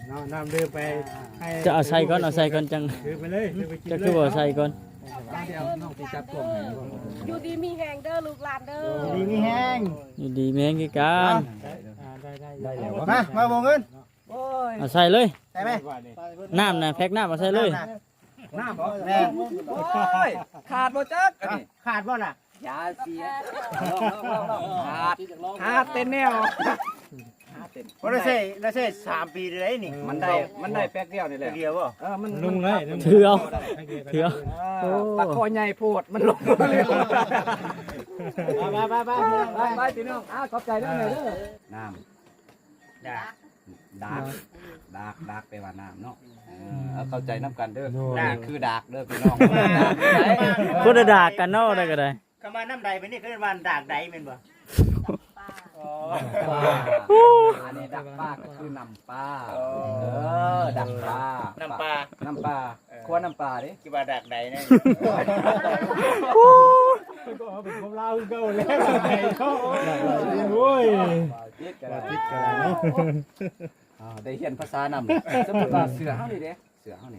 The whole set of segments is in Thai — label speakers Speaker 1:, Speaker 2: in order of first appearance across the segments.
Speaker 1: น้ำเดินไป
Speaker 2: จะเอาใส่ก่อนจัง
Speaker 1: ถือไปเลย
Speaker 2: จะคือบ่ใส่ก่อน
Speaker 3: เดี๋ยวน้องสิจับกล้องให้บ่
Speaker 4: อยู่ดีมีแหงเด้อลูกหลานเด้อ
Speaker 1: ดีมีแห้ง
Speaker 2: อยู่ดีแม่งคือกัน
Speaker 1: ได้แล้ว
Speaker 3: มาบ่เงิน
Speaker 2: เอาใส่เลย
Speaker 3: ใช่ไหม
Speaker 2: น้ำน่ะแพ็คน้ำเอาใส่เลย
Speaker 3: น้ำบ่แม่โอ้ยขาดบ่จักอันนี้
Speaker 1: ขาดบ่ล่ะ
Speaker 3: ยาเสียขาดเต้นแนว
Speaker 1: บ่ได้ใช้3 ปีเลยนี่
Speaker 3: มันได้แป๊กเดียวนี่แหละ
Speaker 1: เดียวบ่
Speaker 3: มัน
Speaker 1: ลุงเลย
Speaker 2: ถือเอา
Speaker 3: ตะคอใหญ่โพดมันลงมาเลยไปพี่น้องขอบใจด้วยเด้อน้ำดากไปว่าน้ำเนาะเข้าใจน้ำกันเด้อนี่คือดากเด้อพี่น้อง
Speaker 2: คนละดากกันเนาะได้ก็ได้
Speaker 1: คำว่าน้ำใดเป็นนี่คือว่าดากใดแม่นบ่
Speaker 3: อันนี้ดักปลาก็คือน้ำปลาดักปลาน้ำปลาคั่วน้ำปลาดิ
Speaker 1: คิดว่าดากใดนะก็เป็นของเราเก่าแล้วไอ้เขาโอ้ย
Speaker 3: ติดกันเนาะได้เรียนภาษานำสมมุติว่าเสือเฮานี่เด้เสือเฮานี่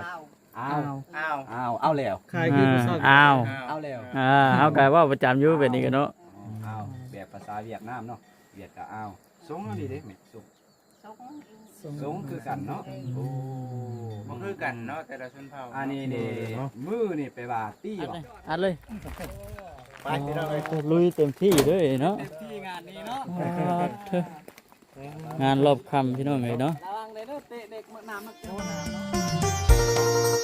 Speaker 3: เอาแล้ว
Speaker 2: เอาแล้วเอากายว่าประจำอยู่แบบนี้กันเนาะ
Speaker 3: เอาแบบภาษาเวียดนามเนาะเวียดก็เอาสงอันนี้เด้แม่สงคือกันเนาะโอ้
Speaker 1: บ่คือกันเนาะแต่ละชนเผ่า
Speaker 3: อันนี้นี่มือนี่ไปว่าตี้บ่
Speaker 2: อัดเลย
Speaker 1: ไปพี่น้องเอ้ย
Speaker 2: ลุยเต็มที่เลยเนาะ
Speaker 3: ที่งานนี้เนาะ
Speaker 2: งานรอบค่ำพี่น้องเอ้ยเนาะ
Speaker 3: ระวังเลยเด้อเตะเด็กน้ำมันโอ้น้ำ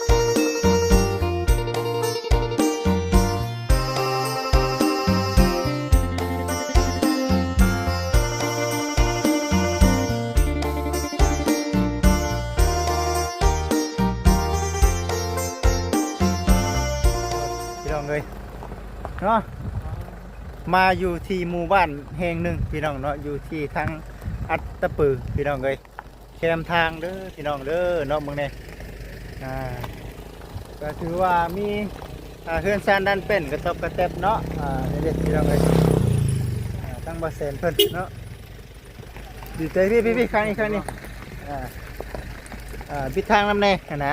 Speaker 1: พี่น้องเอ้ยเนาะมาอยู่ที่หมู่บ้านแห่งหนึ่งพี่น้องเนาะอยู่ที่ทางอัตตปือพี่น้องเอ้ยแคมทางเด้อพี่น้องเด้อเนาะมึงเนี่ยก็ถือว่ามีเฮือนซานดันเป็นกระทบกระแทบเนาะเด็ดพี่น้องเอ้ยทั้งบาเซนเพิ่นเนาะดีใจพี่ครั้งนี้ปิดทางน้ำแน่นะ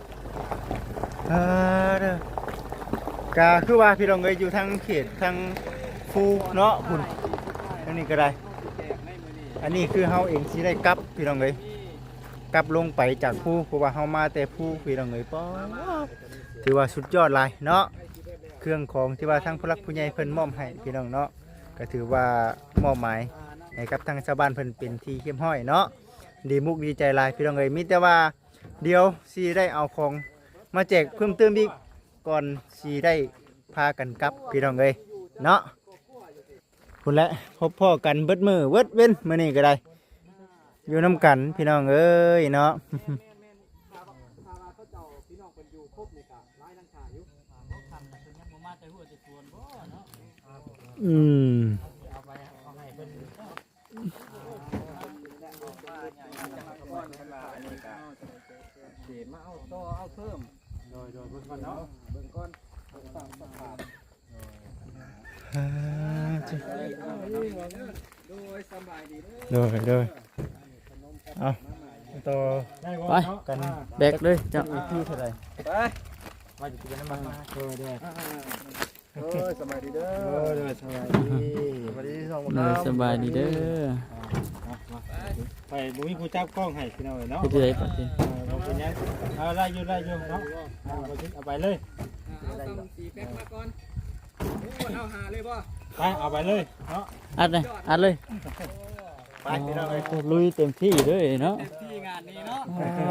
Speaker 1: เด้อ ก็คือว่าพี่น้องเอ้ยอยู่ทางเขตทางภูเนาะพุ่นอันนี้ก็ได้อันนี้คือเฮาเองสิได้กลับพี่น้องเอ้ยกลับลงไปจากภูเพราะว่าเฮามาแต่ภูพี่น้องเอ้ยป้อถือว่าสุดยอดหลายเนาะเครื่องของที่ว่าทางผู้หลักผู้ใหญ่เพิ่นมอบให้พี่น้องเนาะก็ถือว่ามอบหมายให้กับทางชาวบ้านเพิ่นเป็นที่เข้มห้อยเนาะดีมุกดีใจหลายพี่น้องเอ้ยมีแต่ว่าเดี๋ยวสิได้เอาของมาแจกเพิ่มเติมอีกก่อนสีได้พากันกลับพี่น้องเลยเนาะพุ่นแหละพบพ่อกันเบิดมือเบิดเว้นมื้อนี้ก็ได้อยู่น้ำกันพี่น้องเอ้ยเนาะอืม
Speaker 3: มาเอาต่อเอาเพิ่มโดยเบิ่งก่อนเนาะเบิ่งก่อนตามสภาพโดยสบายดีเด้อ
Speaker 1: โดยเอาต่อ
Speaker 2: ไป
Speaker 1: กัน
Speaker 2: แบกเลยจ้ะ
Speaker 1: ที่เท่าไหร่
Speaker 3: ไป
Speaker 1: ว่าจะกินน้ำมันมาโดย
Speaker 3: สบายดีเด้อ
Speaker 1: โดยสบายดีสบายดีสองคน
Speaker 2: เลยสบายดีเด้อ
Speaker 1: ไปบุ้ยผู้จับกล้องให้พี่น้องเนาะ
Speaker 2: ไปที่ไหนปะที
Speaker 1: บอกเป็นยังเอาไล่อยู่เนาะเอาไปเลย
Speaker 3: สีแป๊กมาก่อนเอาหาเลยบ่
Speaker 1: ไปเอาไปเลยเนาะ
Speaker 2: อัดเลย
Speaker 1: ไปพี่น้องเลย
Speaker 2: ลุยเต็มที่เลยเนาะ
Speaker 3: ที่งานนี้เนาะ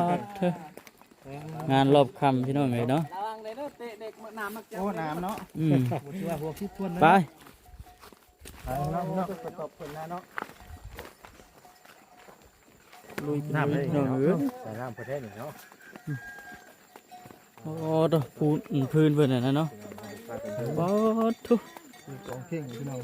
Speaker 2: งานรอบค่ำพี่น้องเอ้ยเนาะ
Speaker 3: ระวังเลยเด้อเตะเด็กน้ำมัน
Speaker 1: โอ้น้ำเนาะ
Speaker 3: หัวคิดทวน
Speaker 2: ไป
Speaker 1: เนาะตบคนนะเนาะ
Speaker 2: ลุย
Speaker 1: น้ำเลย
Speaker 2: พี่น้องเอ้ย
Speaker 1: ใส่น้ำประเทศเนาะ
Speaker 2: โอ้ตัวพื้นเพิ่นน่ะเนาะบอทุ
Speaker 1: ของเข่งพี่น้อง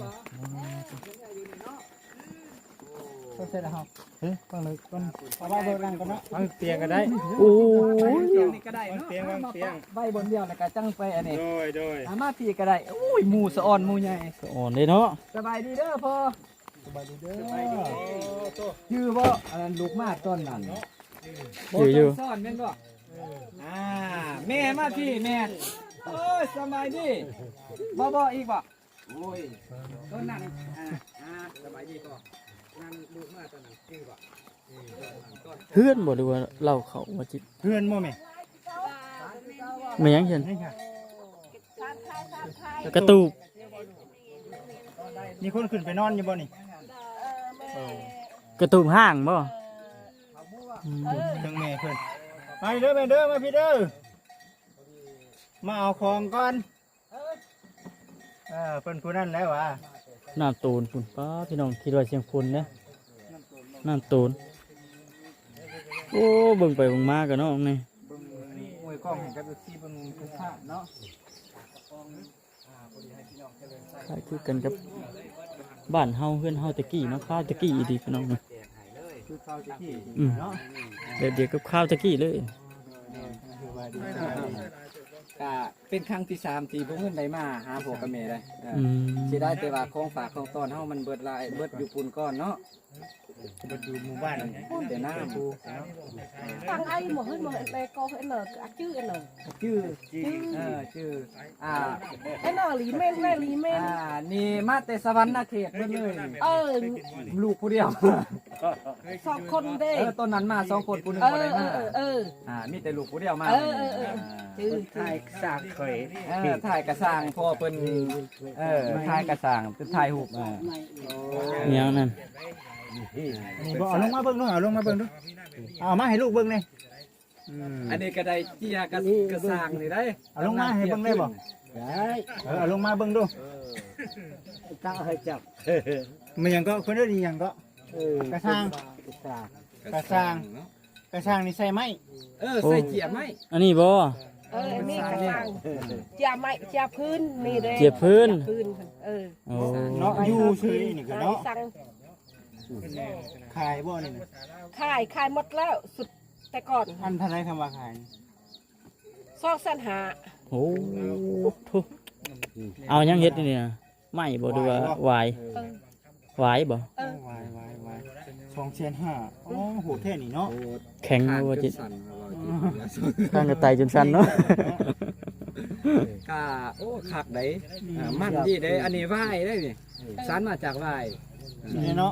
Speaker 1: ก็เสร็จแล้วครับเฮ้ยฟังเลยก่อนเอาว่าเบอร์นั่งก่อนเนาะฟังเตียงก็ได้
Speaker 2: โอ้ย
Speaker 3: นี่ก็ได้เนาะ
Speaker 1: เตียง
Speaker 3: ใบบนเดียวแล้วก็จังไปอันนี้
Speaker 1: โดย
Speaker 3: มาพี่ก็ได้โอ้ยหมูสะอ่อนหมูใหญ่
Speaker 2: อ่อนเลยเนาะ
Speaker 3: สบายดีเด้อพ่อ
Speaker 1: สบายดีเด้อ
Speaker 3: ชื่อว่าอันนั้นลูกมาต้นนั้น
Speaker 2: ถืออยู่
Speaker 3: ซ่อนแม่นบ่แม่มาพี่แม่โอ้ยสบายดีบ่อีกบ่โอ้ยต้นนั้นสบายดีก็นั่นลูกมาตอนนั้นจริงบ่
Speaker 2: เพื่อนบ่ดูว่าเราเขามาจิต
Speaker 1: เพื่อนบ่แม่
Speaker 2: ไม่ยังเห็น
Speaker 1: นี่ค่ะ
Speaker 2: กระตูบ
Speaker 1: มีคนขึ้นไปนอนอยู่บ่นี่
Speaker 2: กระตูบห้างบ่
Speaker 1: ทั้งแม่เพิ่นมาเด้อแม่เด้อมาพี่เด้อมาเอาของก่อนเพิ่นผู้นั้นแล้วว่ะ
Speaker 2: น้ำตูนพุ่นป้าพี่น้องคิดว่าเชียงพุ่นนะน้ำตูนโอ้เบิ่งไปเบิ่งมากันเนาะนี่
Speaker 1: เบิ่งนี่มวยกล้องให้กับที่เบิ่งทุกภาพเนาะ
Speaker 2: คล้ายคือกันกับบ้านเฮาเฮือนเฮาตะกี้เนาะข้าวตะกี้อีดีพี่น้องนะ
Speaker 1: คือข้าวที่ที่
Speaker 2: อืม
Speaker 1: เนาะ
Speaker 2: แบบเดียวกับข้าวตะกี้เลย
Speaker 1: คือว่าดี
Speaker 3: ก็เป็นครั้งที่3ที่บ่เงินได้มาหาพ่อกับแม่ได้
Speaker 2: อืม
Speaker 3: สิได้แต่ว่าของฝากของต้อนเฮามันเบิดหลายเบิดอยู่ปุ่นก้อนเนาะ
Speaker 1: บ่อยู่หมู่บ้าน
Speaker 3: แต่น้ำ
Speaker 4: ฟังไอ้หมดให้หมดไอ้ก็ให้หนอชื่อไอ้หนอ
Speaker 3: ชื่อชื่อ
Speaker 4: ไอ้หนอหลีเม่นแม่หลีเม่น
Speaker 3: นี่มาแต่สวรรค์เขตเบิ่งเลย ลูกผู้เดียว
Speaker 4: สองคนเด้
Speaker 3: ต้นนั้นมา2คนผู้นึงบ่ได้มามีแต่ลูกผู้เดียวมา
Speaker 4: ชื่อ
Speaker 3: ถ่ายสร้างเคยถ่ายกระสร้างพ่อเพิ่นถ่ายกระสร้างเป็นถ่ายรูป
Speaker 2: เนี้ยนั่น
Speaker 1: นี่บ่เอาลงมาเบิ่งดูเอาลงมาเบิ่งดูเอามาให้ลูกเบิ่งเลย
Speaker 3: อันนี้ก็ได้เจียกระสร้างนี่ได้
Speaker 1: เอาลงมาให้เบิ่งได้บ่ได้เอาลงมาเบิ่งดูตั้งให้จับมันยังก็คนได้ดียังก็กระช่างกระช่างกระช่างนี่ใส่ไม้
Speaker 3: ใส่เจียบไหม
Speaker 2: อันนี้บ่
Speaker 4: นี่กระสังจะไม่จะพื้นนี่เด้
Speaker 2: เจียบพื้นโอ้
Speaker 1: เนาะอยู่ซื่อนี่ก็เนาะ
Speaker 4: สั่ง
Speaker 1: ขายบ่นี่นะ
Speaker 4: ขายหมดแล้วสุดแต่ก่อน
Speaker 1: อันเท่าไหร่คำว่าขาย
Speaker 4: ซอกสันหา
Speaker 2: โหทุเอายังเฮ็ดนี่นะไม่บ่ดูว่าหวายหวายบ่
Speaker 1: วาย2,500อ๋อโหแท้นี่เนาะ
Speaker 2: แข็งบ่จิตข้างกระต่ายจนสั่นเนาะ
Speaker 3: ก็โอ้คักได้มันดีได้อันนี้ไหว้ได้นี่สารมาจากไหว้
Speaker 1: นี่เนาะ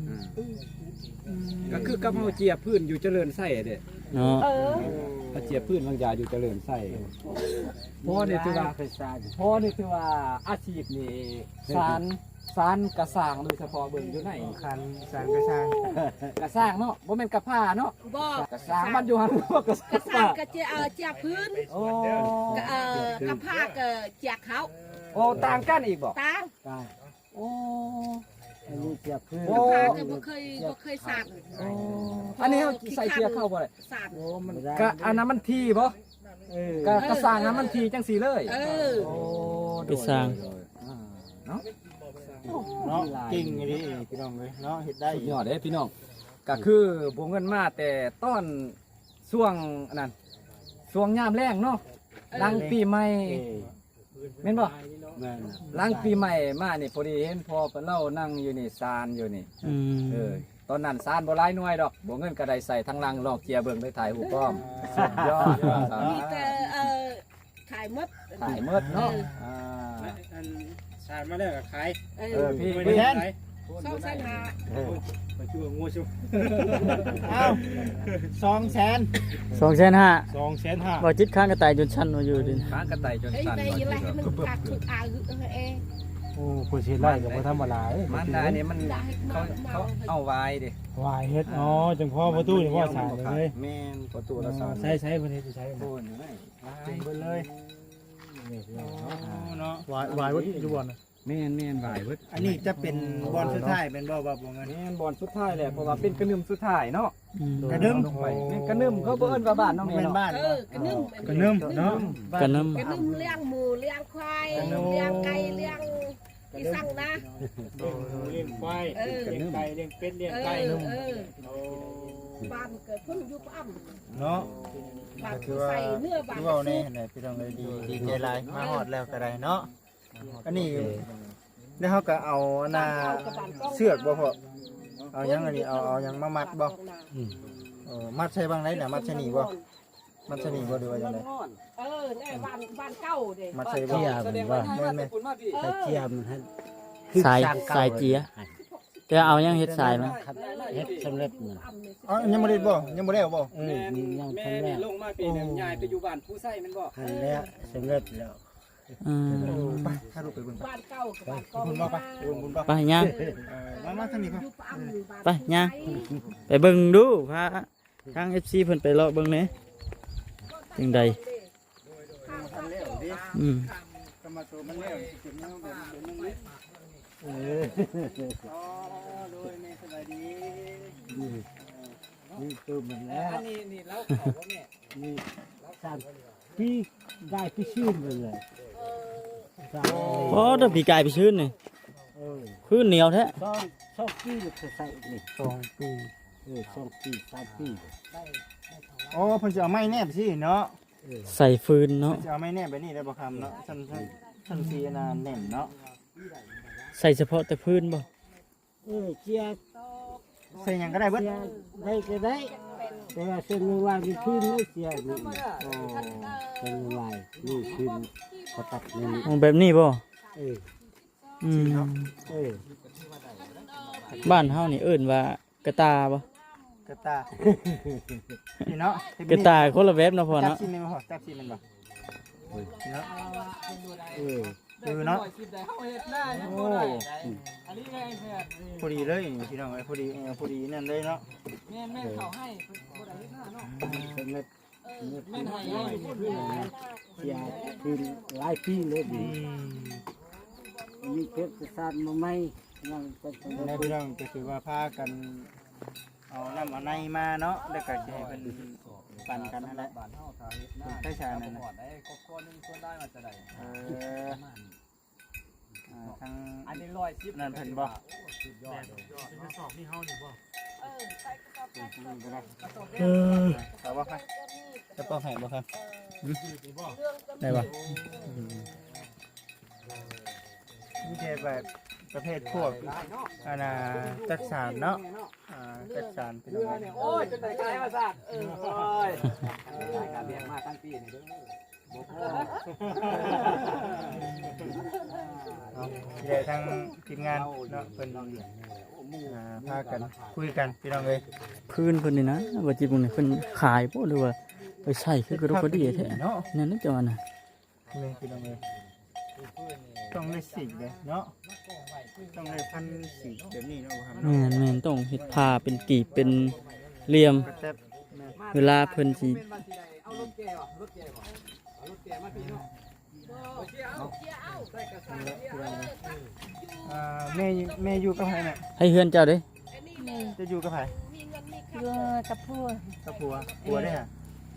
Speaker 3: ก็คือกับเฮาเจียบพื้นอยู่เจริญไส้เด้
Speaker 2: เนาะ
Speaker 3: เฮาเจียบพื้นบางยาอยู่เจริญไส้พ่อนี่ถือว่าอาชีพนี่สารกระสร้างโดยเฉพาะเบิ่งอยู่ไหน
Speaker 1: คันสร้างกระช่าง
Speaker 3: กระสร้างเนาะบ่แม่นกระผ้าเนาะ
Speaker 4: บ่
Speaker 3: กระสร้างมันอยู่หั่นบ่กระ
Speaker 4: กระสังกระจะพื้น
Speaker 3: โอ้
Speaker 4: กระพากจากเขา
Speaker 3: โอ้ต่างกันอีกบ่
Speaker 4: ต่าง
Speaker 3: โอ้
Speaker 1: อันนี้เจียบพื้น
Speaker 4: กระพากบ่เคยสั่ง
Speaker 3: อันนี้เฮาใส่เกียร์เข้าบ่ได้
Speaker 4: สั่ง
Speaker 3: ก็อันนั้นมันทีบ่ก็กระสร้างนั้นมันทีจังสีเลย โอ้
Speaker 2: ไปสร้าง
Speaker 3: เนาะ
Speaker 1: เนาะจริงดิพี่น้องเลยเนาะเฮ็ดได้
Speaker 3: สุดยอดเด้พี่น้องก็คือบ่เงินมาแต่ต้นช่วงนั้นช่วงยามแรงเนาะหลังปีใหม่แม่นบ่หลังปีใหม่มานี่พอดีเห็นพ่อเพิ่นเล่านั่งอยู่นี่ซานอยู่นี่
Speaker 2: อืม
Speaker 3: ตอนนั้นซานบ่หลายหน่วยดอกบ่เงินก็ได้ใส่ทั้งหลังลอกเกียร์เบิ่งได้ถ่ายรูปพร้อมสุดยอด
Speaker 4: มีแต่ขายหมด
Speaker 3: ถ่ายหมดเนาะ
Speaker 1: สารมาแล้วก็ขาย
Speaker 3: พี่
Speaker 1: ไป
Speaker 3: พี่
Speaker 1: แทน
Speaker 4: ซอกสันหา
Speaker 1: ไปชั่วงัวชั่วเอา200,000
Speaker 2: 2,500,000บ่จิตข้างกระต่ายจนสั่นว่าอยู่ดิ
Speaker 3: ค้างกระต่ายจน
Speaker 4: เฮ้ย
Speaker 3: สั่น
Speaker 4: ไปอะไรให้มันผักถึกเอ
Speaker 1: โอ้ผู้สิไล่ก็บ่ธรรมดา
Speaker 3: มันอันนี้มันเขาเอาไว้ดิ
Speaker 1: วายเฮ็ดอ๋อจังพ่อประตูนี่พ่อสารเลย
Speaker 3: แม่นประตูละสอน
Speaker 1: ใช้เพิ่นเฮ็ดใช้
Speaker 3: โอนอยู่ไหน
Speaker 1: จึงเบิ่เลยเนาะวายวัดอยู่บ่น่ะ
Speaker 3: แม่นไหวเบิด
Speaker 1: อันนี้จะเป็นบอลสุดท้ายเป็นบ่บ่เงิน
Speaker 3: แม่นบอลสุดท้ายแหละเพราะว่าเป็นกระนึมสุดท้ายเนาะ
Speaker 1: กระดึม
Speaker 3: แม่นกระนึมเขาบ่เอิ้นว่าบ้านน้อง
Speaker 1: เป็
Speaker 3: แม่
Speaker 1: น
Speaker 3: เนาะ
Speaker 1: บ้าน
Speaker 4: กระนึ่ม
Speaker 1: กระนึมเนาะ
Speaker 2: กันน้
Speaker 4: กระนึ่มเลี้ยงหมูเลี้ยงควายเลี้ยงไก่เลี้ยงที่สั่งนะ
Speaker 1: เลี้ยงควายเลี้ยงไก่เลี้ยงเป็ดเลี้ยงไก่
Speaker 4: บ้านเกิดพุ่นยุบอ้ำ
Speaker 1: เนาะ
Speaker 4: บ้านใส่เนื้อบ้าน
Speaker 1: คือว่านี่ไหนพี่น้องเลยดีใจหลายมาฮอดแล้วก็ได้เนาะอันนี้แล้วเฮาก็เอาหน้าเสือกบ่พอเอายังอันนี้เอายังมามัดบ่มัดใช่บางไหนน่ะมัดใช่นี่บ่มัดใช่นี่บ่หรือว่าจังได๋
Speaker 4: แน่บ้านเก่าเด้
Speaker 1: มัดใช่บ่
Speaker 3: แสดงว่าให้มา
Speaker 1: แม่
Speaker 3: แต่ปุ่นมาพี่
Speaker 5: ใส่เจียมให้
Speaker 2: สายเจียแต่เอายังเฮ็ดสายมัน
Speaker 5: ครับเฮ็ดสำเร็จนั่น
Speaker 1: อ๋อยังบ่ได้บ่ยังบ่ได้บ่
Speaker 5: เออมียัง
Speaker 3: แม่
Speaker 5: ทำแล้
Speaker 3: นี่
Speaker 5: ว
Speaker 3: ลงมาปีหนึงยายไปอยู่บ้านผู้ใส่แม่นบ่
Speaker 5: หันแล้วสำเร็จแล้ว
Speaker 2: อืม
Speaker 1: ไปถ้าลูกไปเบิ่งไป
Speaker 4: บ้านเก่ากับบ้านเก่า
Speaker 1: บุญบ่ไปเบิ่งบุญบ่
Speaker 2: ไปย่าง
Speaker 1: มาทางนี้ครับ
Speaker 4: อยู่ปั๊มบ้าน
Speaker 2: ไปย่างไปเบิ่งดูพาทาง FC เพิ่นไปเลาะเบิ่งแหน่จังใดอืม
Speaker 1: ก็มาตัวมันแล้วสิเก็บเนาะแบบนึงเลย
Speaker 5: เออ
Speaker 1: อ๋อโดยแม่สบายดี
Speaker 5: นี่ตัวมันแล้ว
Speaker 3: อันนี้นี่เราเข้าบ่แม่
Speaker 5: นี่สามพี่ได้พี่ชื่นไปเลยสาม
Speaker 2: โอ้ถ้าพี่กายไปชื้นนี่
Speaker 5: เออ
Speaker 2: คือเหนียวแท้
Speaker 5: สองปีจะใส่นี่
Speaker 1: 2 ปี
Speaker 5: เออ2 ปี3 ปี
Speaker 1: อ๋อเพิ่นจะเอาไม้แนบสิเนาะ
Speaker 2: ใส่ฟืนเนาะ
Speaker 1: เพิ่นจะเอาไม้แนบไปนี่ได้บ่คำเนาะท่านสิอันนั้นแน่นเนาะ
Speaker 2: ใส่เฉพาะแต่พื้นบ่
Speaker 5: เออเจีย
Speaker 1: ใส่หยังก็ได้เบิด
Speaker 5: เจียได้ก็ได้แต่ว่าเส้นมือวางนี่ขึ้นไม่เจียนี่
Speaker 1: โอ้
Speaker 5: เส้นมือวางนี่ขึ้นเขาตัดนี่
Speaker 2: มองแบบนี้บ่
Speaker 5: เออ
Speaker 2: อืม
Speaker 5: เออ
Speaker 2: บ้านเฮานี่เอิ้นว่ากระตาบ่
Speaker 1: กระตานี่เนาะ
Speaker 2: กระตาคนละแบบเนาะพ่อ
Speaker 1: จับ
Speaker 2: เนาะ
Speaker 1: ชิ้นนึงบ่พอจับชิ้นนึงบ่เนาะ
Speaker 5: เออ
Speaker 1: เนาะ
Speaker 3: คลิปได้เฮาเฮ็ดหน้ายัง
Speaker 1: โอ้
Speaker 3: บ่ได้อันนี้แม่แพทย์
Speaker 1: พอดีเลยนี่พี่น้องเอ้ยพอดีพอดีนั่นเลยเนาะ
Speaker 3: แม่เข้าให้บ่ได้เฮ็ดหน้าเนาะ
Speaker 5: สำเร็จ
Speaker 3: แม่นให้ให้พูดเลย
Speaker 5: เจียขึ้นหลายปีเลยดีมีเพชรศาสตร์มาไหมยังเป็นสำ
Speaker 1: ใน
Speaker 5: เร็จ
Speaker 1: พี่น้องก็คือว่าพากันเอาน้ำเอาในมาเนาะแล้วก็จะให้เพิ่นปั่นกันนั่นแหละ
Speaker 3: บ้านเฮาถ้าเฮ็ดหน้า
Speaker 1: ใช่ชานั่น
Speaker 3: ห
Speaker 1: น่ะ
Speaker 3: อดได้ครอบครัวนึงส่วนได้มาจะได้
Speaker 1: ทาง
Speaker 3: อันนี้110
Speaker 1: นั่นเพิ่นบ่
Speaker 3: สุดยอดเลย
Speaker 1: เอาบ่ครับจะป้องให้บ่ครับ
Speaker 2: ได้บ่
Speaker 1: นี่แค่แบบประเภทพวกอันน่ะจักสารเนาะจักสารพี่น้องเอ้ย
Speaker 3: โอ้ยจนได้กลายมาซะโอ้ยรายการเรียนมาตั้งปีนี่เด้อบ่พอ
Speaker 1: เอาที่ได้ทั้งทีมงานเนาะเพิ่นพากันคุยกันพี่น้องเอ้ย
Speaker 2: พื้นเพิ่นนี่นะว่าจิบ่นี่เพิ่นขายบ่หรือว่าไปใช้คือกระดกกระเดียแท้
Speaker 1: เนาะ
Speaker 2: นั่นน่ะจังว่าน่ะ
Speaker 1: นี่พี่น้องเอ้ยต้องได้สีเลยเนาะต้องได้พันสีแบบนี้เนาะบ่ครับ
Speaker 2: แม่นต้องเฮ็ดผ้าเป็นกีบเป็นเหลี่ยม
Speaker 1: กระแทบแม่
Speaker 2: เวลาเพิ่นสิ
Speaker 3: เป็นวันสิได้เอารถแก่บ่รถแก่บ่เอารถแก่มาพี่เนาะบ่เสียเอาใส่กระสานเสียเอา
Speaker 1: แม่อยู่กับไผเนี่ย
Speaker 2: ให้เฮือนเจ้าเด้
Speaker 1: จะอยู่กับไผ
Speaker 6: อยู่กับผู้
Speaker 1: กับผัวได้ฮะ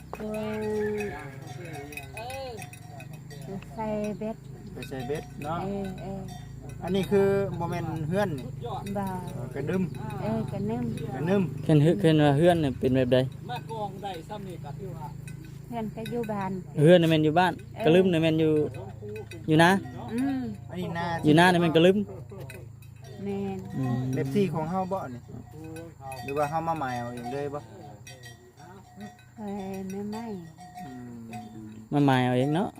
Speaker 6: ใส่เบ็ด
Speaker 1: ไปใส่เบ็ดเนาะ
Speaker 6: เออ
Speaker 1: อันนี้คือบ่แม่นเฮือนนี่
Speaker 6: บ่าว
Speaker 1: กระดึม
Speaker 6: กันนึ่ม
Speaker 1: กระนึม
Speaker 2: เพิ่นว่าเฮือนนี่เป็นแบบใด
Speaker 3: มากองได้ซ้ำนี่ก็ถือว่า
Speaker 6: เพื่อนก็อยู่บ้าน
Speaker 2: เฮือนนี่แม่นอยู่บ้านกระลึมนี่แม่นอยู่นะ
Speaker 1: อันนี้นา
Speaker 2: อยู่นะนี่แม่นกระลึม
Speaker 6: แม่น
Speaker 2: อืม
Speaker 1: เล็บที่ของเฮาบ่นี่หรือว่าเฮามาหมายเอาเองเลยบ่
Speaker 6: เฮ้ยไม่
Speaker 1: อืม
Speaker 2: มาหมายเอาเองเนาะ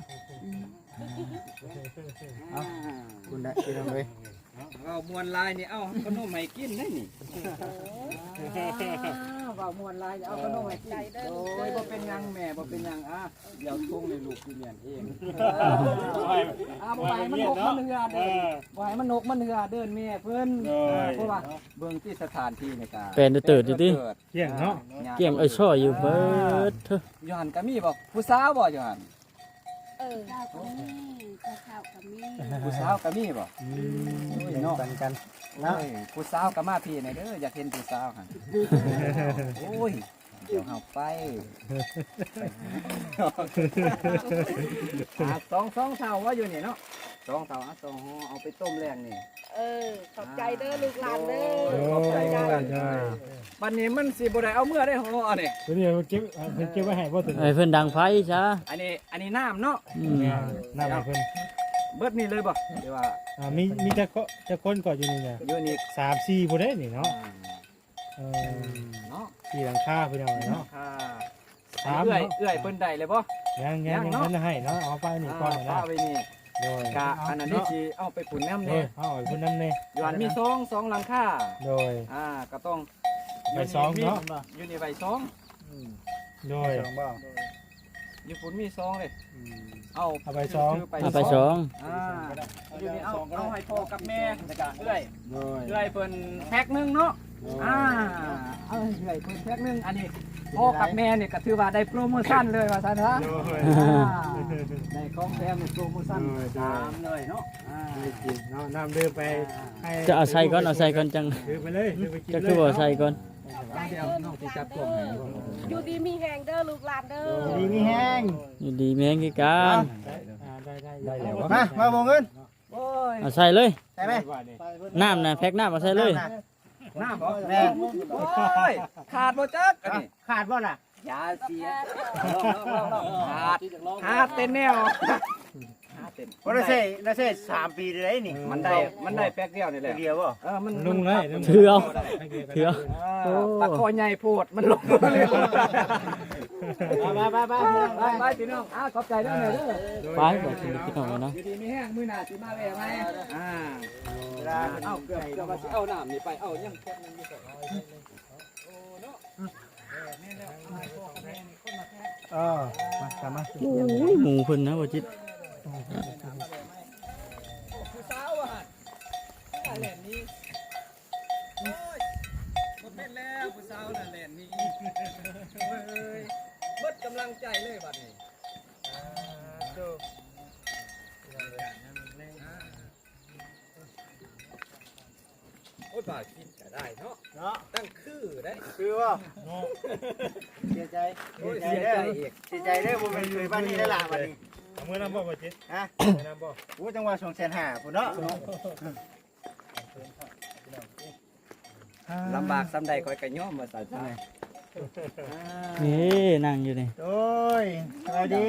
Speaker 1: เอาคุณได้พี่น้องเอ้ย
Speaker 3: เอามวนลายนี่เอาขนมให้กินได้นี่ว่ามวนลายเอาขนมให้กินโอ้ยบ่เป็นหยังแม่บ่เป็นหยังอ่ะเดี๋ยวทงในลูกกินเรียนเองบ่ให้มันนกมันเหือเด้อบ่ให้มันนกมันเหือเดินแม่เพิ่นเพราะว่าเบิ่งที่สถานที่ในการ
Speaker 2: แปลนเติร์ดอยู่ติ
Speaker 1: เที่ยงเนาะ
Speaker 2: เกี่ยงไอ้ช่ออยู่เบิดเถอะ
Speaker 3: ยูหันก็มีบ่ผู้สาวบ่ยูหัน
Speaker 6: เจ้าก็มีเจ้าก็มี
Speaker 3: ผู้สาวก็มีบ่
Speaker 1: แบ่งปันกันเนาะ
Speaker 3: เอ้ยผู้สาวก็มาพี่หน่อยเด้ออยากเห็นผู้สาวหั่นโอ้ยเดี๋ยวเฮาไปสองเท่าว่าอยู่นี่เนาะสองเท่าสองห่อเอาไปต้มแรงนี่
Speaker 4: ขอบใจเด้อลูกหลานเด้อ
Speaker 3: ขอบใจกันบัดนี้มันสิบ่ได้เอาเมื่อได้ห่อนี่
Speaker 1: เดี๋ยวเก็บไว้ให้บ่ถึง
Speaker 2: ไอ้เพิ่นดังไฟซะ
Speaker 3: อันนี้น้ำเนาะ
Speaker 2: อืม
Speaker 1: น้าเพิ่น
Speaker 3: เบิดนี่เลยบ่เดี๋ยวว่า
Speaker 7: มีจะคนก่อนอยู่นี่เนี่ย
Speaker 3: อยู่นี่
Speaker 7: 3-4ผู้ได้นี่เนาะ
Speaker 3: เนาะ
Speaker 2: สี่หลังคาพี่น้องเนาะ
Speaker 3: ค่ะ
Speaker 2: สาม
Speaker 3: เอื้อย
Speaker 2: เนาะ
Speaker 3: เอื้อยเพิ่นได้เลยบ่
Speaker 2: ยังเพิ่นให้เนาะเอาไปนี่ก่อน
Speaker 3: ป้า
Speaker 2: นะ
Speaker 3: ไว้นี่
Speaker 2: โดย
Speaker 3: กะอันนั้นนี่สิเอาไปปุ่นน้ำ
Speaker 2: โด
Speaker 3: เนี่ย
Speaker 2: เอาไว้เพิ่นนำนี่
Speaker 3: อยู่อันมีสองหลังคา
Speaker 2: โดย
Speaker 3: ก็ต้อง
Speaker 2: ใบสองเนาะ
Speaker 3: อยู่นี่ใบสอง
Speaker 2: โดย
Speaker 1: สองบ่
Speaker 3: อยู่ปุ่นมีสองเลยเอา
Speaker 2: เอาไปสอง
Speaker 3: คือ
Speaker 2: เอาไปสอง
Speaker 3: อยู่นี่เอาให้พ่อกับแม่แล้วก็เอื้อย
Speaker 5: โดย
Speaker 3: เอื้อยเพิ่นแพ็คหนึงเนาะเอาเอื้อยเพิ่นแพ็คหนึงอันนี้พ่อกับแม่นี่ก็ถือว่าได้โปรโมชั่นเลยว่าซั่นฮะ
Speaker 1: โดย
Speaker 3: ได้ของแถมในโปรโมชั่นตามเลยเนาะ
Speaker 2: ไม่กินเนาะน้ำดื่มไปให้
Speaker 7: จะเอาใส่ก่อนเอาใส่ก่อนจัง
Speaker 2: ดื่มไปเลยดื่มไปกิน
Speaker 7: จะ
Speaker 2: เล
Speaker 7: คือย บ่ใส่ก่อน
Speaker 3: เดี๋ยวน้องสิจับกล่องให้
Speaker 4: อยู่ดีมีแหงเด้อลูกหลานเด้อ
Speaker 1: ดีมีแห้ง
Speaker 7: อยู่ดีแม่งคือกัน
Speaker 2: ได้แล้ว
Speaker 1: มาบ่เงิน
Speaker 3: โอ้ย
Speaker 7: เอาใส่เลย
Speaker 1: ได้ไหม
Speaker 7: น้ำนะแพ็คน้ำเอาใส่เลย
Speaker 3: น้ำบ่
Speaker 1: แม่
Speaker 3: โอ้ยขาดบ่จักอันนี้
Speaker 1: ขาดบ่ล่ะ
Speaker 3: ยาเสียขาดเต็มแนวขาดเต็ม
Speaker 1: บ่ได้ใช้3 ปีได้นี่
Speaker 3: มันได้แป๊กเดียวนี่แหละ
Speaker 1: เดียวบ่
Speaker 3: มัน
Speaker 2: ลุงเลย
Speaker 7: ถือเอาถือเอา
Speaker 3: ปากคอใหญ่โพดมันลงเลย ไปพี่น้องขอบใจด้วยหน่อยเด้อ
Speaker 7: ไปบ่สิพี่น้องเนาะ
Speaker 3: อยู่ดีมีแห้งมื้อหน้าสิมาแวะไหมเอาเกือบว่าสิเอาน้ำนี่ไปเอายังแค่นึงอยู่ก่อน
Speaker 1: มามา
Speaker 7: โอ้ยหมูเพิ่นนะบ่จิต
Speaker 3: ผู้สาวอ่ะแหลนนี้โอ้ยหมดเป็นแล้วผู้สาวน่ะแหลนนี้เฮ้ยหมดกำลังใจเลยบัดนี้โอ้ยบ่าคิดก็ได้เนาะ
Speaker 1: เนาะ
Speaker 3: ตั้งคือได้
Speaker 1: คือบ่เสียใจ
Speaker 3: โอ้ย
Speaker 1: เสี
Speaker 3: เสี
Speaker 1: ย
Speaker 3: ย
Speaker 1: ใจ
Speaker 3: ใจ
Speaker 1: เด้อ
Speaker 3: อีก
Speaker 1: เสียใจเด้อบ่แม่นเคยบ้านนี้ได้ล่ะบัดนี้
Speaker 2: เอามือน้ำบ่บ่จิต
Speaker 1: ฮะ
Speaker 2: มือน้ำบ่
Speaker 1: โอ้จังหว่า250,000พุ่นเนาะ
Speaker 3: ลำบากซ้ำใดคอยกระย่อมมาใส่ใจ
Speaker 7: นี่นั่งอยู่นี่
Speaker 1: โอ้ยสวัสดี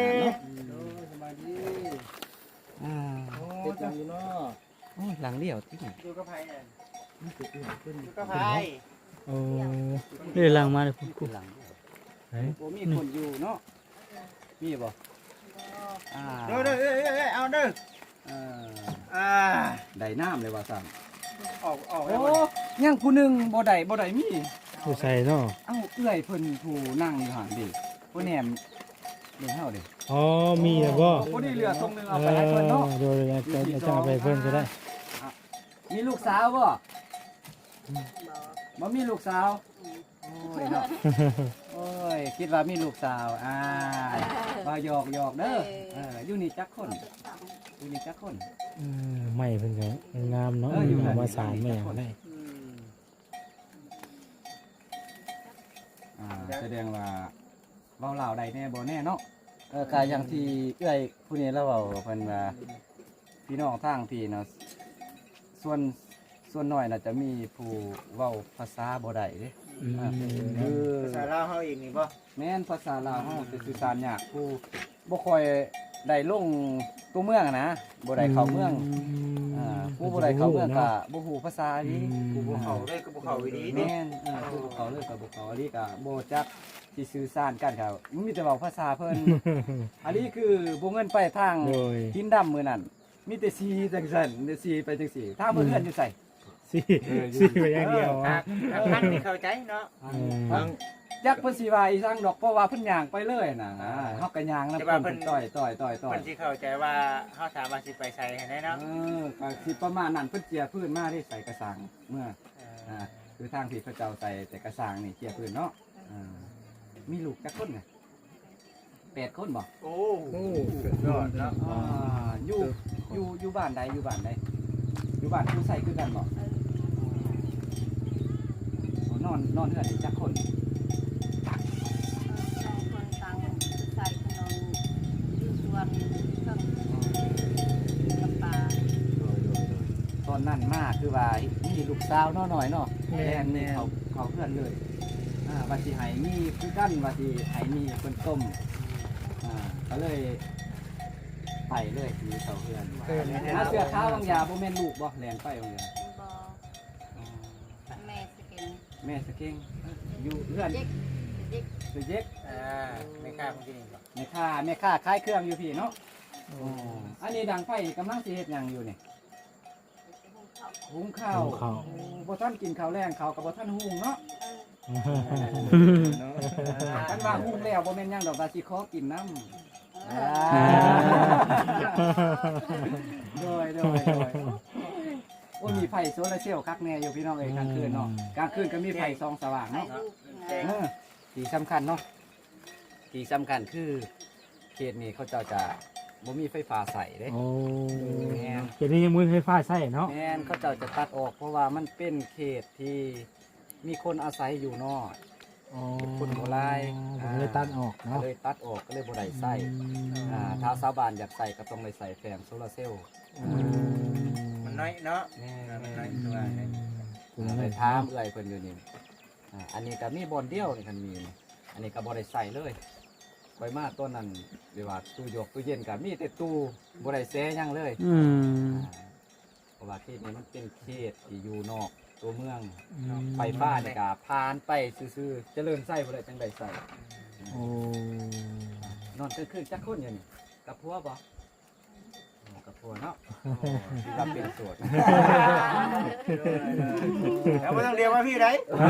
Speaker 3: ติดจังอยู่เนาะโอ้ยหลังเลี้ยวที่ไหน
Speaker 1: อยู่กับไผเนี่ยอยู่กับไผ
Speaker 7: โอ้เรื่องหลังมาเลยพุ่น
Speaker 3: หลัง
Speaker 7: เฮ้ย
Speaker 3: โอ้มีคนอยู่เนาะมีบ่
Speaker 1: เด้อเอาเด้อ อ่า
Speaker 3: ได้น้ำเลยว่าสั่ง
Speaker 1: ออก
Speaker 3: โอ้ยังผู้หนึงบ่ได้มี
Speaker 2: ผู้ใส่เนาะ
Speaker 3: เอ้าเอื้อยเพิ่นผู้นั่งอยู่หั่นดิผู้แหนมเดี๋ยวเฮาดิ
Speaker 2: อ๋อมีแล้วบ่
Speaker 3: ผู้นี้เหลือทงนึงเอาไปให้เพิ่นเนาะ
Speaker 2: โดยจะเอาไปเพิ่นก็ได้
Speaker 3: มีลูกสาวบ่บ่มีลูกสาวโอ้ยเนาะโอ้ยคิดว่ามีลูกสาวว่าหยอกเด้ออยู่นี่จักคนอยู่นี่จักคน
Speaker 2: ไม่เพิ่นก็งามเนาะเอามาสารแม่ได้
Speaker 3: แสดงว่าเว้าลาวได้แน่บ่แน่เนาะก็อย่างที่เอื้อยผู้นี้แล้วเว้าเพิ่นว่าพี่น้องทางพี่เนาะส่วนน้อยน่ะจะมีผู้เว้าภาษาบ่ได้เด้คือ
Speaker 1: ภาษาลาวเฮาอีกนี่บ่
Speaker 3: แม่นภาษาลาวเฮาจะสื่อสารยากผู้บ่ค่อยได้ลงตัวเมืองอะนะบ่ได้เข้าเมืองผู้บ่ได้เข้าเมืองก็บ่ฮู้ภาษาดี
Speaker 1: กูบ่เข้าเลยกูบ่เข้าอีดีนี่
Speaker 3: แม่นผู้บ่เข้าเลยก็บ่เข้าอันนี้ก็บ่จักสิสื่อสารกันครับมีแต่เว้าภาษาเพิ่น อันนี้คือบ่เงินไปทาง
Speaker 2: โดย
Speaker 3: กินดำมื้อนั้นมีแต่สีจังซั่นแต่สีไปจังซี่ถ้าเพิ่นเฮือนอยู่ไส
Speaker 2: สี่ไปอย่างเดียว
Speaker 1: ท่านนี่เข้าใจเนาะ
Speaker 3: จักเพิ่นสิว่าอีสังดอกเพราะว่าเพิ่นย่างไปเลยน่ะเฮาก็ย่างนำเพิ่นต่อย
Speaker 1: เพิ่นสิเข้าใจว่าเฮาสามารถสิไปใส่ให้ได้เนาะ
Speaker 3: ก็สิประมาณนั้นเพิ่นเจียพื้นมาได้ใส่กระสังเมื่อคือทางที่พระเจ้าใส่แต่กระสังนี่เจียพื้นเนาะมีลูกจักคนไง8คนบ่
Speaker 1: โอ้สุดยอดเนาะ
Speaker 3: อยู่บ้านใดอยู่บ้านผู้ใส่คือกันบ่นอนเฮือนได้จักคน
Speaker 6: สองคนต่างใส่ขนมอยู่สวนเครื่องกับปลา
Speaker 3: ตอนนั้นมาคือว่ามีลูกสาวน้อยเนาะแม่นนี่เขาเพื่อนเลยว่าสิให้มีคือกันว่าสิให้มีเพิ่นต้มก็เลยไปเลยมีเสาเพื่อนเสื้อขาวบางยาบ่แม่นลูกบ่แลนไปบางยา
Speaker 6: บอแม่สกิน
Speaker 3: แม่สะเก่งอยู่เพื่อน
Speaker 6: เด็ก
Speaker 3: สุเย็ก
Speaker 1: ไม่กล้าคนที่นี่หรอก
Speaker 3: แม่ค้าขายเครื่องอยู่พี่เนาะอันนี้ดังไฟกำลังสิเฮ็ดหยังอยู่นี่หุงข้าวบ่ทันกินข้าวแรงข้าวกับบ่ทันหุงเนาะคันว่าหุงแล้วบ่แม่นหยังดอกว่าสิขอกินน้ำโดยโอ้มีไฟโซลาร์เซลล์คักแน่อยู่พี่น้องเอ้ยกลางคืนเนาะกลางคืนก็มีไฟส่องสว่างเนาะที่สำคัญเนาะที่สำคัญคือเขตนี้เขาเจ้าจะบ่มีไฟฟ้าใส่เด้
Speaker 2: โอ้
Speaker 3: แม่น
Speaker 2: เดี๋ยวนี้ยังมือไฟฟ้าใช่เนาะ
Speaker 3: แม่นเขาเจ้าจะตัดออกเพราะว่ามันเป็นเขตที่มีคนอาศัยอยู่เนาะ คนโบราณ
Speaker 2: ผมเลยตัดออก
Speaker 3: ก็
Speaker 2: เนาะ
Speaker 3: เลยตัดออกก็เลยบ่ได้ใส่ถ้าชาวบ้านอยากใส่ก็ต้องได้ใส่แผงโซลาร์เซลล์
Speaker 1: มันน้อยเนาะ
Speaker 3: แม่
Speaker 1: มัน
Speaker 3: น
Speaker 1: น้อยตัว
Speaker 3: ไปถามเอื้อยเพิ่นอยู่นี่อันนี้ก็มีบ่อนเดียวนี่คันมีนี่อันนี้ก็บ่ได้ใส่เลยไปมาต้นนั้นเรียกว่าตู้ยกตู้เย็นก็มีแต่ตู้บ่ได้แซ่หยังเลย เพราะว่าเขตนี้มันเป็นเขตที่อยู่นอกตัวเมืองไฟฟ้านี่ก็ผ่านไปซื่อๆเจริญใส่บ่ได้จังได๋ใส่
Speaker 2: โอ้
Speaker 3: นอนกลางคืนจักคนอยู่นี่กับผัวบ่กับผัวเนาะที่ว่าเป็นโสด
Speaker 1: แล้วไม่ต้องเรียกว่าพี่ไหน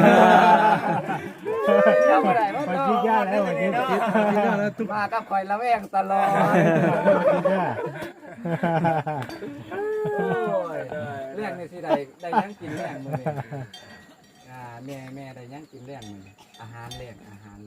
Speaker 3: เจ้าบ่ได้บ่
Speaker 2: มัน
Speaker 3: เนาะ
Speaker 2: คิดยากแล้ววันนี้คิดยากแล้วทุก
Speaker 3: มากับข่อยละแวงตลอด
Speaker 2: คิดยาก
Speaker 3: โอ้ยเรื่องนี้สิได้ยังกินแรงมื้อนี้แม่ได้ยังกินแรงมื้อนี้อาหารแรง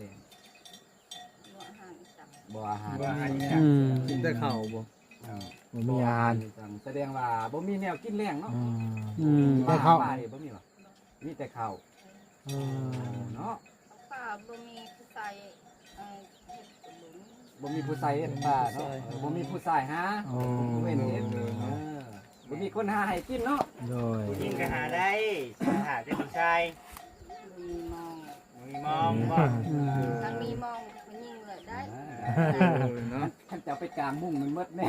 Speaker 3: บ่อาหาร
Speaker 2: กินแต่ข้าวบ่บ่มีอาหาร
Speaker 3: แสดงว่าบ่มีแนวกินแรงเนาะ
Speaker 2: แต่ข้าว
Speaker 3: ป่านี่บ่มีหรอมีแต่ข้าวเนาะ
Speaker 6: ป้าบ่มีผู้ใส่เฮ็ดขนม
Speaker 3: บ่มีผู้ใส่เฮ็ดป่าเนาะบ่มีผู้ใส่หาเว้นเฮ็ดบ่มีคนหาให้กินเนาะ
Speaker 2: โดย
Speaker 1: ยิงก็หาได้หาได้ผู้ชาย
Speaker 6: บ่มีมอง
Speaker 1: มีมองว่า
Speaker 6: ถ้ามีมองมันยิงเลยได้
Speaker 3: ท่านจะเอาไปกลางมุ้งมันหมดแน่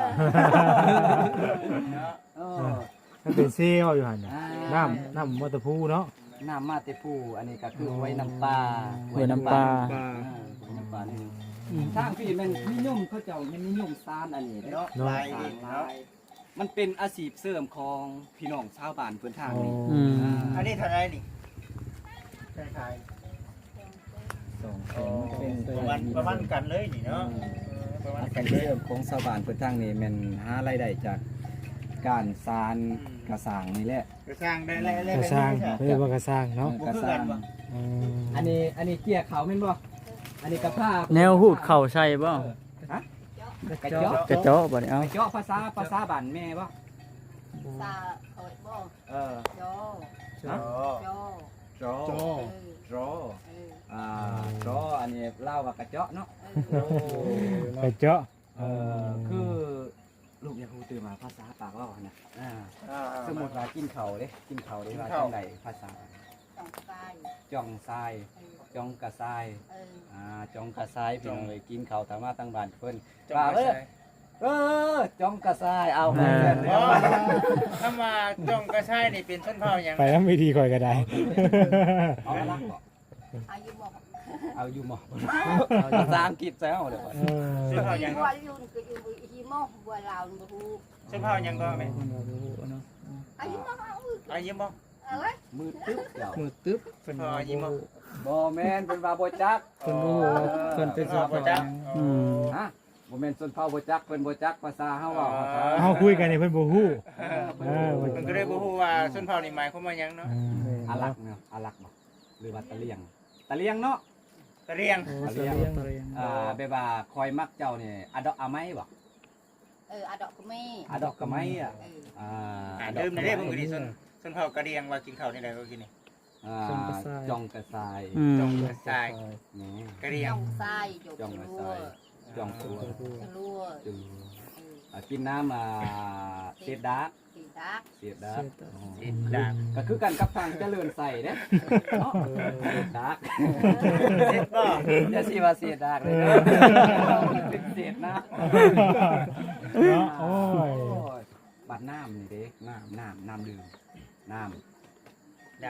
Speaker 3: เออ
Speaker 2: มันเป็นซีเขาอยู่หั่นน่ะน้ำมอเตอร์พูเนาะ
Speaker 3: น้ำมาแต่ผู้อันนี้ก็คือไว้น้ำปลา
Speaker 2: ไว้น้ำปลา
Speaker 3: ไว้น้ำปลานี่ทางพี่มันนิยมเขาเจ้ามันนิยมซานอันนี้เนาะ
Speaker 1: ลาย
Speaker 3: สร้า
Speaker 1: ดิ
Speaker 3: ง
Speaker 1: เนาะ
Speaker 3: ลายมันเป็นอาชีพเสริมของพี่น้องชาวบ้านเพิ่นทางนี้
Speaker 1: อันนี้เท่าไรนี่คล้าย
Speaker 3: สอง
Speaker 1: ๆ
Speaker 3: ค
Speaker 1: อ๋อน
Speaker 3: เป็น
Speaker 1: ประมาณกันเลยนี่เนาะประมาณ
Speaker 3: อา
Speaker 1: กั
Speaker 3: ชี
Speaker 1: น
Speaker 3: พ
Speaker 1: เลย
Speaker 3: เสริมของชาวบ้านเพิ่นทางนี้แม่นหารายได้จากการสานกระสร้างนี่แหละ
Speaker 1: ก็สร้างได้แล้ว
Speaker 2: กระสร้างเรียกว่ากระสร้างเนาะ
Speaker 3: กระสร้างอันนี้เกี่ยเขาแม่นบ่อันนี้กระพา
Speaker 7: แนวหูดเข่าใช่บ่
Speaker 3: ฮะกระเจาะ
Speaker 7: กระเจาะบ่เนี่ยเอา
Speaker 3: กระเจาะภาษาบ้านแม่บ่
Speaker 6: ซาเอ้ยบ่
Speaker 3: เออ
Speaker 6: โจ
Speaker 1: อ๋อ
Speaker 6: โจ
Speaker 3: จอจอ
Speaker 6: เออ
Speaker 3: จออันนี้เล่าว่ากระเจาะเนาะ
Speaker 2: กระเจาะ
Speaker 3: คือลูกอยากรู้ตื่นมาภาษาปากเว่านะสมมติว่ากินเขาเด้กินเขาเด้ว่าจังไดภาษา
Speaker 6: ต้องใส่
Speaker 3: จองทราย
Speaker 6: เออ
Speaker 3: จองกระทราย
Speaker 6: เออ
Speaker 3: จองกระทรายพี่น้องเลยกินเขาถามว่าตั้งบ้านเพิ่น
Speaker 1: จงกระ
Speaker 3: จองกระทรายเอาไป
Speaker 1: อ๋อถ้ามาจงกระชายนี่เป็นชนเผ่าอย่าง
Speaker 2: ไปแล้วไม่ดีคอยก็ได้
Speaker 3: เอาลักบ่
Speaker 6: อายุบอก
Speaker 3: เอาอยู่หมอเอาภาษาอังกฤษแซวเดี๋ยวก่อน
Speaker 1: ชนเผ่าอย่างก็
Speaker 6: ว่ายุ่นก็อยู่อีโมบ่ลาวบ่ฮู้
Speaker 1: ชนเผ่าอย่างก็ไหม
Speaker 6: อายุบอกเอา
Speaker 1: อายิ้มบ่
Speaker 6: อะไร
Speaker 3: มือตึ๊บเดี๋ยว
Speaker 2: มือตึ๊บ
Speaker 1: ชนเผ่าอายิ้มบ่
Speaker 3: บ่แม่นเป็นว่าบ่จัก
Speaker 2: เพิ่นบ่ฮู้ว่าเพิ่นเป็น
Speaker 1: ชนเผ่าบ่จัก
Speaker 3: ฮะบ่แม่นชนเผ่าบ่จักเพิ่นบ่จักภาษาเฮาเว้า
Speaker 2: เฮาคุยกันนี่เพิ่นบ่ฮู้
Speaker 1: มันก็ได้บ่ฮู้ว่าชนเผ่านี่หมายความว่าหยังเนาะ
Speaker 3: อาลักเนาะอาลักบ่หรือว่าตะเลียงตะเลียงเนาะ
Speaker 1: ตะเรียง
Speaker 3: ตะเลียงแบบว่าคอยมักเจ้านี่อะดอกอะไม้บ่
Speaker 6: อาดอกก็มี
Speaker 3: อะดอกกะไม้อ่ะ
Speaker 1: เดิมนี่ได้บ่คือดิชนเผ่ากะเรียงว่ากินข้าวนี่ได้ก็กินนี่
Speaker 3: จองกระทราย
Speaker 1: จงกระชาย
Speaker 3: นี่
Speaker 1: กะเรียง
Speaker 6: จองทรายจ
Speaker 3: จอง
Speaker 6: ง
Speaker 3: กระ
Speaker 6: รั
Speaker 3: ท
Speaker 6: ว
Speaker 3: รายจองตัว
Speaker 6: จะรัว
Speaker 3: จุกินน้ำเศษดาร์ก
Speaker 6: สีดัก
Speaker 3: เศษดาร์ก
Speaker 1: สิดาบ
Speaker 3: ก็คือกันกับทางเจริญใส่เด้เนาะเศษดาร์ก
Speaker 1: เสร็จบ่
Speaker 3: อย่าสิว่าเศษดาร์กเลยเด้อเป็นเศษนะ
Speaker 2: เนาะโอ้ย
Speaker 3: บัดน้ำนี่เด้น้ำดื่มน้ำ
Speaker 1: ดาบ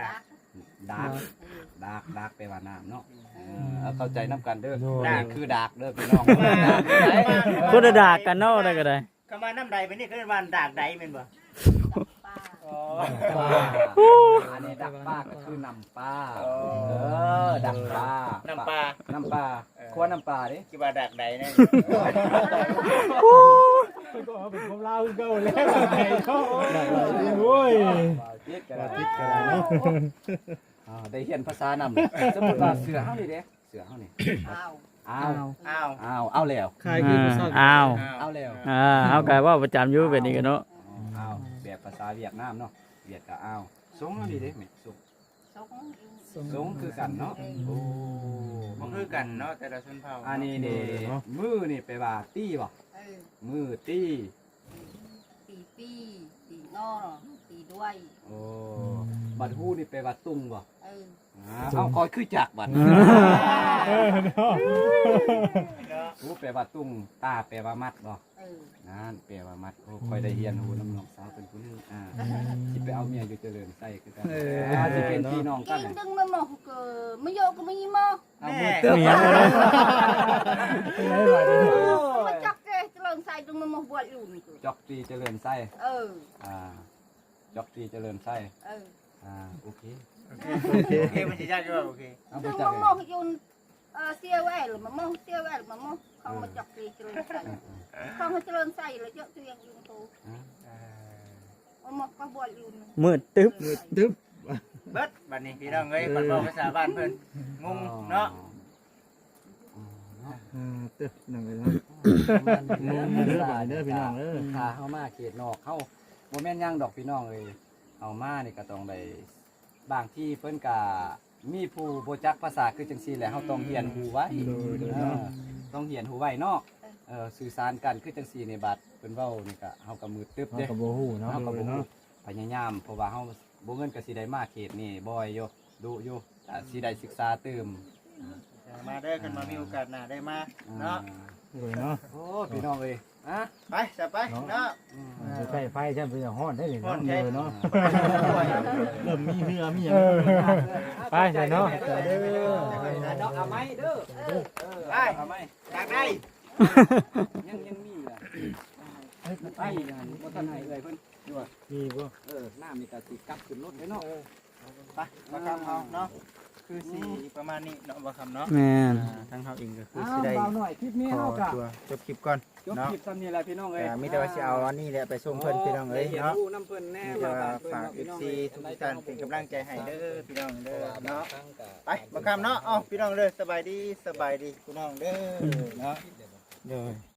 Speaker 3: ดากดากแปลว่าน้ำเนาะเอาเข้าใจน้ำกันเด้อนี่คือดากเด้อพี่น้อง
Speaker 2: คนละดากกันเนาะได้ก็ได้
Speaker 1: คำว่าน้ำใดเป็นนี่คือว่าดากใดแม่นบ่
Speaker 6: ป้า
Speaker 1: อ๋อ
Speaker 3: อันนี้ดักปลาก็คือน้ำปลาดักปลา
Speaker 1: น้ำปลา
Speaker 3: น้ำปลาคั่วน้ำปลาดิ
Speaker 1: คิดว่าดากใดแน่
Speaker 2: ก็เอาเป็นของเราคือเก่าแล้วไงเนาะโอ้ย
Speaker 3: ติดกันเนาะได้เรียนภาษานำเลยสมมุติว่าเสือเฮานี่เด้เสือเฮานี่
Speaker 6: อ้าว
Speaker 3: อ้าว
Speaker 1: อ้าว
Speaker 3: เอาแล้ว
Speaker 7: คายคือภาษา
Speaker 2: อ้าว
Speaker 3: เอาแล้ว
Speaker 2: เอากายว่าประจำอยู่เป็นนี่กันเนาะ
Speaker 3: เอาแบบภาษาเวียดนามเนาะเวียดก็เอาสงเอานี่เด้แม่สง
Speaker 6: สง
Speaker 3: คือกันเนาะโอ้
Speaker 1: บ่คือกันเนาะแต่ละชนเผ่า
Speaker 3: อันนี้นี่มือนี่ไปว่าตี้บ่
Speaker 6: เออ
Speaker 3: มือตี้
Speaker 6: ตีปีตีนอตีด้วย
Speaker 3: โอ้บัดฮู้นี่ไปว่าตุ้งบ่
Speaker 6: เออ
Speaker 3: เอาคอยคือจักบัดฮู้แปลว่าตุ้งตาแปลว่ามัดบ่
Speaker 6: เออ
Speaker 3: นั่นแปลว่ามัดโอ้คอยได้เรียนฮู้น้ำน้องสาวเป็นผู้หนึงสิไปเอาเมียอยู่เจริญไส้คือกันสิเป็นพี่น้องกัน
Speaker 6: กินดึงมันหมกไม่โยกก็ไม่ยิ้มอ่ะ
Speaker 3: เอามือ
Speaker 2: เมียบ่ได้
Speaker 6: มาจักเกะเลิงใส่ดึงมันหมกบวชอยู่นี่
Speaker 3: จอกตีเจริญไส้
Speaker 6: เออ
Speaker 3: จอกตีเจริญไส้
Speaker 6: เออ
Speaker 3: โอเค
Speaker 1: โอเคมันสิยากอยู่ว่าโอเค
Speaker 3: เอาไป
Speaker 6: ดึง
Speaker 3: จั
Speaker 6: มั
Speaker 3: ก
Speaker 6: นหมกอยู่เสียแหวนหรือมันหมกเสียแหวนมันหมกเขามาจักเกะเลิงใส่เขามาเลิงใส่แล้วเยอะตัวยังอยู่ตัวมันหมกก็บวชอยู่
Speaker 2: มืดตึ๊บ
Speaker 1: เบิดบัดนี้พี่น้องเอ้ยเพิ่นบอกภาษาบ้านเพิ่นงงเนาะ
Speaker 2: ตึ๊บนั่นเลยเนาะงงเด้อเด้อพี่น้องเด้อ
Speaker 3: ถ้าเฮามาเขตนอกเฮาบ่แม่นหยังดอกพี่น้องเอ้ยเอามานี่ก็ต้องได้บางที่เพิ่นก็มีผู้บ่จักภาษาคือจังซี่แหละเฮาต้องเรียนรู้ไว้ต้องเรียนรู้ไว้เนาะสื่อสารกันคือจังซี่ในบัดเพิ่นเว้านี่ก็เฮาก็มือตึ๊บ
Speaker 2: เฮา
Speaker 3: เด้
Speaker 2: ก็บ่ฮู้เนาะ
Speaker 3: เฮาก็บ่รู้พยายามเพราะว่าเฮาบ่เงินก็สิได้มาเขตนี่บ่อยอยู่ดุอยู่สิได้ศึกษาเติม
Speaker 1: มาเด้อกันมามีโอกาสหน้าได้มาเนาะ
Speaker 2: เลยเนาะ
Speaker 3: โอ้พี่น้องเอ้ยฮะ
Speaker 1: ไปจะไปเนาะ
Speaker 5: ใช้ไฟใช่เป็นฮ้อนได้เลย
Speaker 1: ฮ้อนแท้
Speaker 5: เนาะ
Speaker 2: เริ่มมีเหือมีหยัง
Speaker 5: ไปใช่เนาะ
Speaker 3: ดอกเอาไหมเด้อเอาไหม
Speaker 1: อยากได้
Speaker 3: ยังมีอ่ะไปบ่ทันให้เอ้ยเพิ่นอยู่ว่า
Speaker 2: มีบ่
Speaker 3: น้ามีแต่สิกลับขึ้นรถเลยเนาะ
Speaker 1: ไปมาคำเฮาเนาะคือสีประมาณนี้เนาะบ่คำเนาะ
Speaker 2: แม่น
Speaker 1: ทางเฮาเองก็คือ
Speaker 3: อ้า
Speaker 1: สิ
Speaker 3: ว
Speaker 1: ได้
Speaker 3: เบาหน่อยคลิปนี้
Speaker 1: ขอ
Speaker 3: เฮาก็
Speaker 1: ตัวจบคลิปก่อน
Speaker 3: จบ
Speaker 1: เนาะ
Speaker 3: คลิปซ้ำนี่แหละพี่น้องเอ้ย
Speaker 1: มีแต่ว่าสิเอาอันนี้แหละไปส่งเพิ่นพี่น้องเอ้ยเนาะ
Speaker 3: น้ำเพิ่นแน่
Speaker 1: มีแต่ว่าฝาก FC ทุกท่านเป็นกำลังใจให้เด้อพี่น้องเด้อเนาะไปมาคำเนาะเอ้าพี่น้องเด้อสบายดีพี่น้องเด้อเนาะ
Speaker 2: เด้อ